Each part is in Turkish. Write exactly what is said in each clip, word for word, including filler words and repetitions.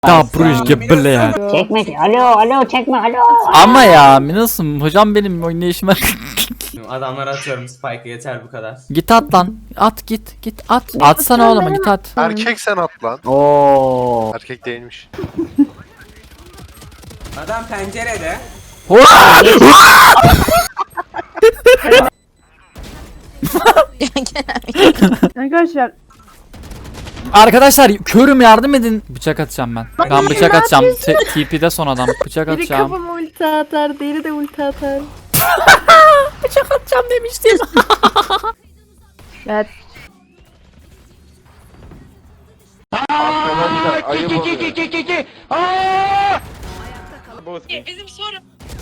Da Brüjge bile ya. Çekme. Alo alo çekme alo. Ama ya nasıl hocam benim oynayışıma Adamlara atıyorum spike'ı, yeter bu kadar. git at lan. At git git at. Atsana oğlum git at. Erkek sen at lan. Oo. Erkek değilmiş. Adam pencerede. Arkadaşlar Arkadaşlar körüm yardım edin. Bıçak atacağım ben. Ben bıçak atacağım. T- T P'de son adam. Bıçak biri atacağım. kafama ulti atar, diğeri de ulti atar. Bıçak atacağım demiştim. Evet. Arkadaşlar ayıp oluyor. Bizim soru.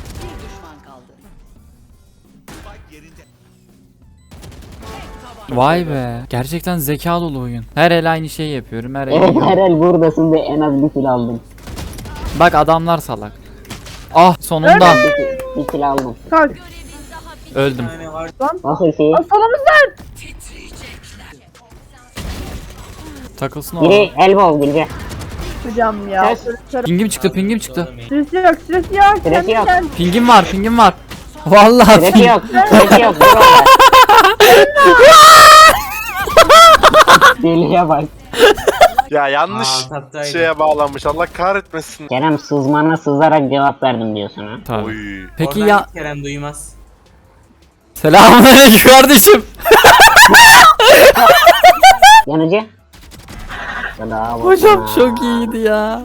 Vay be. Gerçekten zeka dolu oyun. Her el aynı şeyi yapıyorum. Her Evet el. Herel buradasın ve en az bir kill aldım. Bak adamlar salak. Ah sonunda Bir kill aldım. Kalk. öldüm. Yani var. Nasıl şey? Aa, solumuzdan. Takılsın oğlum. Biri elbow Bilge. Hocam ya. Ses. Pingim çıktı, pingim çıktı. Süresi yok, süresi yok. Süresi Kendi yok. kendi- Pingim var, pingim var. Vallahi Süresi ping. yok. Süresi yok. Dur orada. Deliye bak. Ya yanlış Aa, tattaydı. şeye bağlanmış. Allah kahretmesin. Kerem sızmana sızarak cevap verdim diyorsun ha. Tabii. Oy. Peki Oradan ya Kerem duymaz. selamünaleyküm kardeşim. Yanıcı. Bravo Hocam sana. çok iyiydi ya.